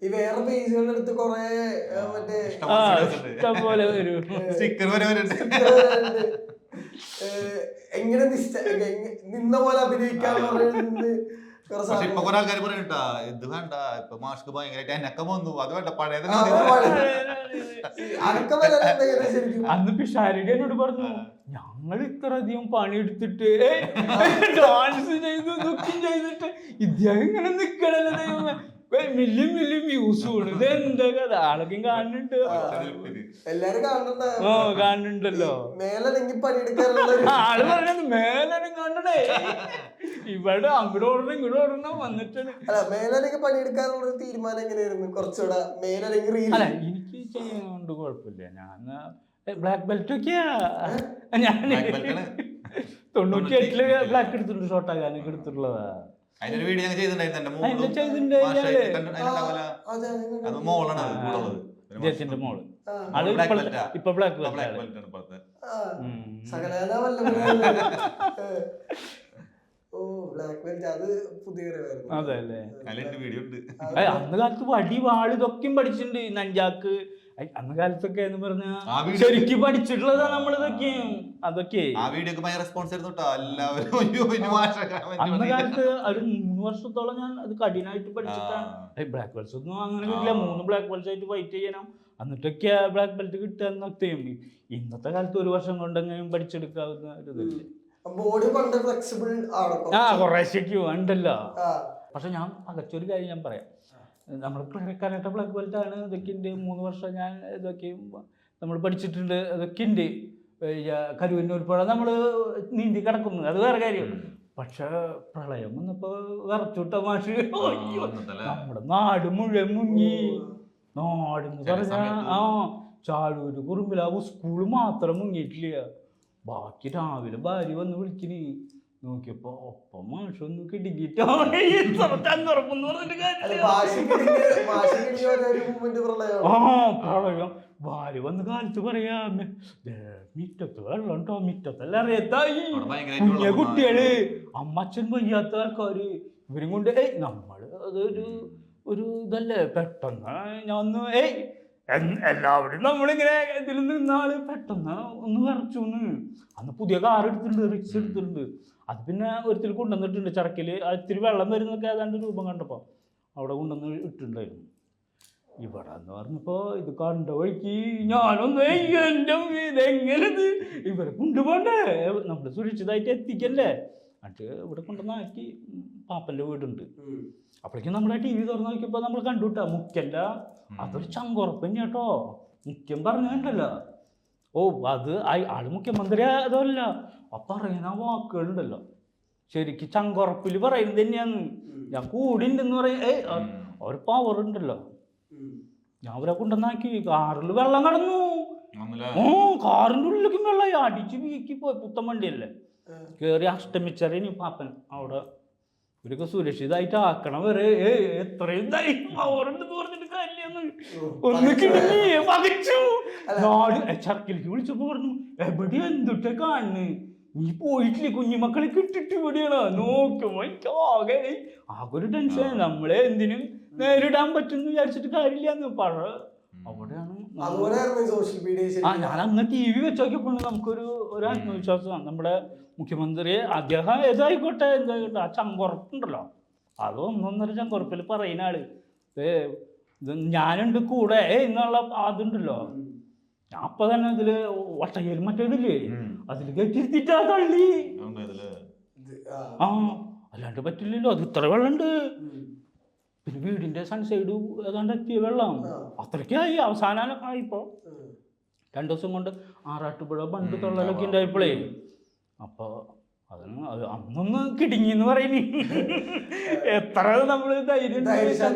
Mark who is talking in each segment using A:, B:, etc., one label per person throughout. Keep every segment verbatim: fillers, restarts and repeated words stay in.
A: ഈ വേറെ പേജുകളുടെ അടുത്ത് കൊറേ മറ്റേ
B: ഇഷ്ടംപോലെ
A: എങ്ങനെ നിന്ന പോലെ അഭിനയിക്കാന്ന് പറയുന്നത്.
C: പക്ഷെ ഇപ്പൊ കുറെ ആൾക്കാർ പറയട്ടാ ഇത് വേണ്ട ഇപ്പൊ മാസ്ക് ഭയങ്കരമായിട്ട് എനക്കം വന്നു അത് വേണ്ട പഴയത്.
B: അന്ന് പിഷാരിക എന്നോട് പറഞ്ഞു ഞങ്ങൾ ഇത്ര അധികം പണിയെടുത്തിട്ട് ഡാൻസ് ചെയ്തു ദുഃഖം ചെയ്തിട്ട് ഇദ്ദേഹം ഇങ്ങനെ നിക്കണല്ലോ ദൈവമേ, മില്യം മില്യം വ്യൂസ് കൂടും, ഇത് എന്താ കഥ, ആളൊക്കെ കാണുന്നുണ്ട്,
A: എല്ലാരും കാണുന്നുണ്ട്.
B: ഓ കാണുന്നുണ്ടല്ലോ.
A: മേലെങ്കിൽ പണിയെടുക്കാറുള്ള
B: ആള് പറഞ്ഞത് മേലും കാണണേ, ഇവിടെ അങ്ങോട്ട് ഓടണം ഇങ്ങോട്ട് ഓടണം വന്നിട്ടാണ്.
A: അല്ല മേലെങ്കിൽ പണിയെടുക്കാനുള്ള ഒരു തീരുമാനം എങ്ങനെയായിരുന്നു? കുറച്ചുകൂടെ മേലെങ്കിൽ
B: അല്ല എനിക്ക് ചെയ്യുന്നോണ്ട് കുഴപ്പമില്ല. ഞാൻ ബ്ലാക്ക് ബെൽറ്റ് ഒക്കെയാ, ഞാൻ തൊണ്ണൂറ്റി എട്ടില് ബ്ലാക്ക് എടുത്തിട്ടുണ്ട്, ഷോർട്ടാക്കാനൊക്കെ എടുത്തിട്ടുള്ളതാ.
C: അതിനൊരു വീഡിയോ ചെയ്തിട്ടുണ്ടായിരുന്നു
B: ഇദ്ദേഹത്തിന്റെ മോള്, അത് ഇപ്പൊ ബ്ലാക്ക് ബെൽറ്റ്. അതെ അല്ലേ, അന്ന് കാലത്ത് വടി വാള് ഇതൊക്കെയും പഠിച്ചിട്ടുണ്ട്. നഞ്ചാക്ക് അന്ന് കാലത്തൊക്കെ എന്ന് പറഞ്ഞാ ശരിക്കും പഠിച്ചിട്ടുള്ളതാ നമ്മളിതൊക്കെയും. അതൊക്കെ അന്ന് കാലത്ത് ഒരു മൂന്ന് വർഷത്തോളം ഞാൻ അത് കഠിനമായിട്ട് പഠിച്ചിട്ടാണ്. ബ്ലാക്ക് ബെൽറ്റ്സ് ഒന്നും അങ്ങനെ കിട്ടില്ല, മൂന്ന് ബ്ലാക്ക് ബെൽറ്റ്സ് ആയിട്ട് ഫൈറ്റ് ചെയ്യണം, എന്നിട്ടൊക്കെ ബ്ലാക്ക് ബെൽറ്റ് കിട്ടുക എന്നൊക്കെയും. ഇന്നത്തെ കാലത്ത് ഒരു വർഷം കൊണ്ടെങ്കിലും പഠിച്ചെടുക്കാവുന്ന ഒരു ഇതല്ലേ. ആ കുറേശ്ശേക്ക് ഉണ്ടല്ലോ. പക്ഷെ ഞാൻ അകച്ചൊരു കാര്യം ഞാൻ പറയാം, നമ്മൾ കരാട്ടെ ബ്ലാക്ക് ബെൽറ്റ് ആണ്, ഇതൊക്കെ ഉണ്ട്. മൂന്ന് വർഷം ഞാൻ ഇതൊക്കെ നമ്മൾ പഠിച്ചിട്ടുണ്ട്, ഇതൊക്കെ ഉണ്ട്. കരുവന്നൂർപ്പുഴ നമ്മൾ നീന്തി കിടക്കുന്നു, അത് വേറെ കാര്യം. പക്ഷെ പ്രളയം വന്നപ്പോ വിറച്ചുട്ട മാഷ് നമ്മുടെ നാട് മുഴുവൻ മുങ്ങി. നാടെന്ന് പറഞ്ഞാ ആ ചാഴൂര് കുറുമ്പിലാവ് സ്കൂള് മാത്രം മുങ്ങിയിട്ടില്ല, ബാക്കി രാവിലെ ഭാര്യ വന്ന് വിളിക്കണി. നോക്കിയപ്പോ ഒപ്പം മാഷൊന്നും കിടുങ്ങിട്ടോ ആ പ്രളയം. ഭാര്യ വന്ന് കാലത്ത് പറയാ മിറ്റത്ത് വെള്ളം ഉണ്ടോ, മിറ്റത്തെല്ലാം അറിയത്തായി കുഞ്ഞ കുട്ടികള്, അമ്മച്ചൻ വയ്യാത്ത ആൾക്കാര്, ഇവരും കൊണ്ട് ഏയ് നമ്മള് അതൊരു ഒരു ഇതല്ലേ. പെട്ടെന്ന് ഞാൻ ഒന്ന് ഏയ് എല്ലാവരും നമ്മളിങ്ങനെ ഇതിൽ നിന്നാള് പെട്ടെന്ന് ഒന്ന് വിറച്ചു. അന്ന് പുതിയ കാർ എടുത്തിട്ടുണ്ട്, റിക്സ് എടുത്തിട്ടുണ്ട്. അത് പിന്നെ ഒരിത്തിൽ കൊണ്ടുവന്നിട്ടുണ്ട് ചരക്കില്, ഇത്തിരി വെള്ളം വരുന്നൊക്കെ ഏതാണ്ട് രൂപം കണ്ടപ്പോ അവിടെ കൊണ്ടുവന്ന് ഇട്ടിട്ടുണ്ടായിരുന്നു. ഇവിടെ എന്ന് പറഞ്ഞപ്പോ ഇത് കണ്ട വഴിക്ക് ഞാനൊന്ന് എന്റെ ഇതെങ്ങനത് ഇവരെ കൊണ്ടുപോണ്ടേ, നമ്മള് സുരക്ഷിതമായിട്ട് എത്തിക്കല്ലേ. എന്നിട്ട് ഇവിടെ കൊണ്ടുവന്നാക്കി പാപ്പന്റെ വീടുണ്ട്. അപ്പോഴേക്കും നമ്മുടെ ടി വി തുറന്നു നോക്കിയപ്പോ നമ്മൾ കണ്ടുവിട്ടാ മുഖ്യന്റെ അതൊരു ചങ്കുറപ്പ് കേട്ടോ. മുഖ്യം പറഞ്ഞുണ്ടല്ലോ, ഓ അത് ആള് മുഖ്യമന്ത്രി അതല്ല, അപ്പൊ പറയുന്ന വാക്കുകളുണ്ടല്ലോ ശരിക്കും ചങ്കുറപ്പില് പറയുന്നത് തന്നെയാന്ന്. ഞാൻ കൂടി ഉണ്ടെന്ന് പറയും, ഏയ് ഒരു പവർ ഉണ്ടല്ലോ. ഞാൻ അവരെ കൊണ്ടുവന്നാക്കി കാറിൽ വെള്ളം കടന്നു. ഓ കാറിന്റെ ഉള്ളിലേക്കും വെള്ളം അടിച്ച് വീക്കി പോയി. പുത്തൻ വണ്ടിയല്ലേ, കേറി അഷ്ടമിച്ചറിയ പാപ്പൻ അവിടെ ഇവരൊക്കെ സുരക്ഷിതമായിട്ട് ആക്കണം വരെ. ഏ എത്രയും പവറുണ്ടെന്ന് പറഞ്ഞിട്ട് കാര്യന്ന് ഒന്ന് കിടങ്ങി പകച്ചു. നാട് ചർക്കിലേക്ക് വിളിച്ചപ്പോ പറഞ്ഞു എവിടെ എന്തൊക്കെ കാണുന്നു, നീ പോയിട്ടില്ലേ കുഞ്ഞുമക്കളെ കിട്ടിട്ട് ഇവിടെയാണ്. നോക്കുമ്പോ എനിക്ക് ആകെ ആകെ ഒരു ടെൻഷൻ. നമ്മളെ എന്തിനും നേരിടാൻ പറ്റുമെന്ന് വിചാരിച്ചിട്ട് കാര്യമില്ലാന്ന് പഴ അവിടെയാണ്. ആ ഞാൻ അന്ന് ടി വി വെച്ച് നോക്കിയപ്പോൾ നമുക്കൊരു ഒരു ആത്മവിശ്വാസമാണ്. നമ്മുടെ മുഖ്യമന്ത്രി അദ്ദേഹം ഏതായിക്കോട്ടെ എന്തായിക്കോട്ടെ ആ ചങ്കുറപ്പുണ്ടല്ലോ, അത് ഒന്നൊന്നര ചങ്കുറപ്പിൽ പറയുന്ന ആള് ഏ ഇത് ഞാനുണ്ട് കൂടെ എന്നുള്ള അതുണ്ടല്ലോ. ഞാൻ അപ്പൊ തന്നെ അതില് ഒട്ടയിൽ മറ്റേതില്ലേ അതില് കെട്ടിരുത്തിട്ടാ തള്ളി. ആ അല്ലാണ്ട് പറ്റില്ലല്ലോ, അത് ഇത്ര വെള്ളമുണ്ട്. പിന്നെ വീടിന്റെ സൺസൈഡ് ഏതാണ്ട് എത്തിയ വെള്ളം അത്രയ്ക്കായി. അവസാനമൊക്കെ ആയിപ്പോ രണ്ടു ദിവസം കൊണ്ട് ആറാട്ടുപുഴ ബണ്ട് തൊള്ളലൊക്കെ ഉണ്ടായപ്പോഴേ അപ്പൊ അതിന് അന്നൊന്ന് കിടുങ്ങിന്ന് പറയുന്നു. എത്ര നമ്മള് ധൈര്യം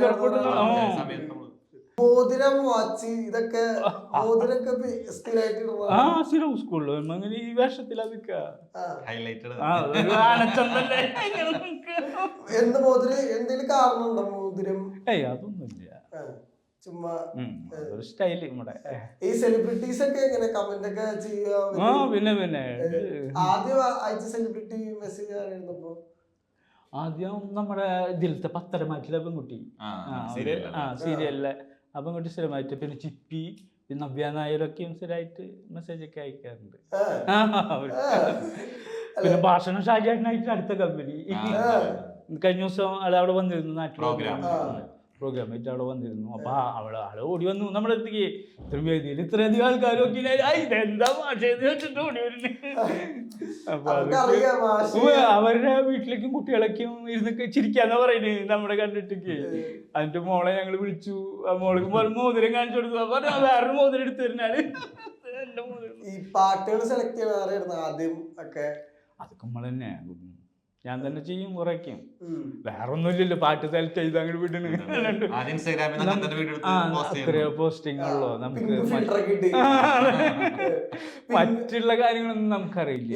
B: ആ സ്ഥിരം സ്കൂളിൽ അങ്ങനെ ഈ വേഷത്തിൽ അതൊക്കെ ഏയ് അതൊന്നുമില്ല, ചുമ്മാ ഒരു സ്റ്റൈല് നമ്മുടെ.
A: ഈ സെലിബ്രിറ്റീസ് ഒക്കെ എങ്ങനെ കമന്റ് ഒക്കെ ചെയ്യുക?
B: പിന്നെ പിന്നെ
A: ആദ്യം അയച്ച സെലിബ്രിറ്റി മെസ്സേജ് ആയിരുന്നപ്പോ
B: ആദ്യം നമ്മുടെ ഇതിലത്തെ പത്തരമാറ്റിലെ പെൺകുട്ടി
C: ആ,
B: ആ അവര്
C: serial
B: ആ സീരിയലിലെ ആ പെൺകുട്ടി സ്ഥിരമായിട്ട് പിന്നെ ചിപ്പി പിന്നെ നവ്യ നായരൊക്കെയും സ്ഥിരമായിട്ട് മെസ്സേജ് ഒക്കെ അയക്കാറുണ്ട്.
A: ആ,
B: ആ, അവര്. പിന്നെ ഭാഷണം ഷാജാനായിട്ട് അടുത്ത കമ്പനി കഴിഞ്ഞ ദിവസം ആള് അവിടെ വന്നിരുന്നു നാട്ടിൽ
C: Program.
B: പ്രോഗ്രാം ആയിട്ട് അവിടെ വന്നിരുന്നു. അപ്പൊ ആ അവള് ആള് ഓടി വന്നു നമ്മുടെ അടുത്തേക്ക്. ഇത്ര വേദിയിൽ ഇത്രയധികം ആൾക്കാരൊക്കെ ഇതെന്താ ഭാഷ വെച്ചിട്ട് ഓടി വരുന്നു. അപ്പൊ അതൊക്കെ
A: അവർക്കറിയാം ഭാഷ.
B: ഉവ്വ് അവരുടെ വീട്ടിലേക്കും കുട്ടികളൊക്കെയും ഇരുന്ന് ചിരിക്കാന്നാ പറയുന്നത് നമ്മുടെ കണ്ടിട്ടൊക്കെ. അതിന്റെ മോളെ ഞങ്ങള് വിളിച്ചു. ആ മോൾക്ക് മോതിരം കാണിച്ചു കൊടുത്തു. അപ്പൊ വേറൊരു മോതിരം എടുത്തു തരുന്നാല് എന്റെ മോതിരം.
A: ഈ പാട്ടുകൾ സെലക്ട് ചെയ്യണ ആരായിരുന്നു ആദ്യം ഒക്കെ?
B: അതൊക്കെ നമ്മൾ തന്നെ ഞാൻ തന്നെ ചെയ്യും കുറയ്ക്കും.
A: ഉം.
B: വേറെ ഒന്നുമില്ലല്ലോ പാട്ട് സെലക്ട് ചെയ്ത് അങ്ങോട്ട് വിടണ്.
C: ആദ്യം ഇൻസ്റ്റാഗ്രാമിൽ നിന്ന് അങ്ങനെ വീഡിയോ
B: ആ
C: എടുത്ത് പോസ്റ്റ് ചെയ്യുന്നു.
B: അത്രയോ പോസ്റ്റിംഗ് ഉള്ളൂ നമുക്ക്.
A: പിന്നെ filter ഒക്കെ ഇട്ട്.
B: മറ്റുള്ള കാര്യങ്ങളൊന്നും നമുക്കറിയില്ല.